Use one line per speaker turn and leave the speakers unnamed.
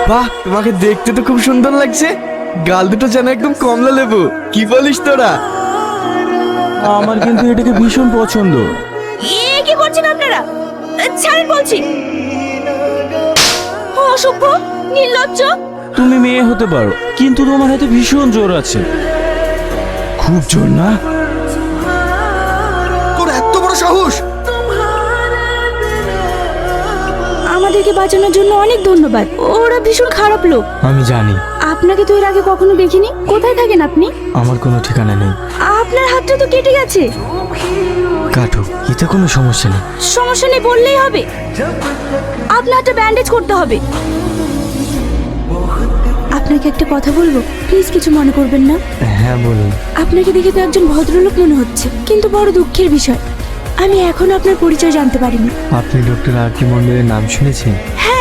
বাহ, তোমাকে দেখতে তো খুব সুন্দর লাগছে। গাল দুটো যেন একদম কমলা লেবু। কি বলিস তোরা?
আমার কিন্তু এটাকে ভীষণ পছন্দ।
কি করছেন আপনারা? ছাড়েন বলছি। অসভ্য, নির্লজ্জ।
তুমি মেয়ে হতে পারো, কিন্তু তোমার হাতে ভীষণ জোর আছে। খুব জোর না?
তোর এত বড় সাহস!
আমাদেরকে বাঁচানোর জন্য অনেক ধন্যবাদ। ওরা ভীষণ খারাপ লোক।
আমি জানি।
আপনাকে তো এর আগে কখনো দেখিনি। কোথায় থাকেন আপনি?
আমার কোনো ঠিকানা নেই।
আপনার হাতটা তো কেটে গেছে।
কাটো, এতে কোনো সমস্যা নেই।
সমস্যা নেই বললেই হবে। আপনার হাতটা ব্যান্ডেজ করতে হবে। আপনাকে একটা কথা বলবো, প্লিজ কিছু মনে করবেন না।
হ্যাঁ বলুন।
আপনাকে দেখে তো একজন ভদ্রলোক মনে হচ্ছে, কিন্তু বড় দুঃখের বিষয়, আমি এখনো আপনার পরিচয় জানতে পারিনি।
আপনি ডক্টর আর কে মন্দিরের নাম শুনেছেন?
হ্যাঁ,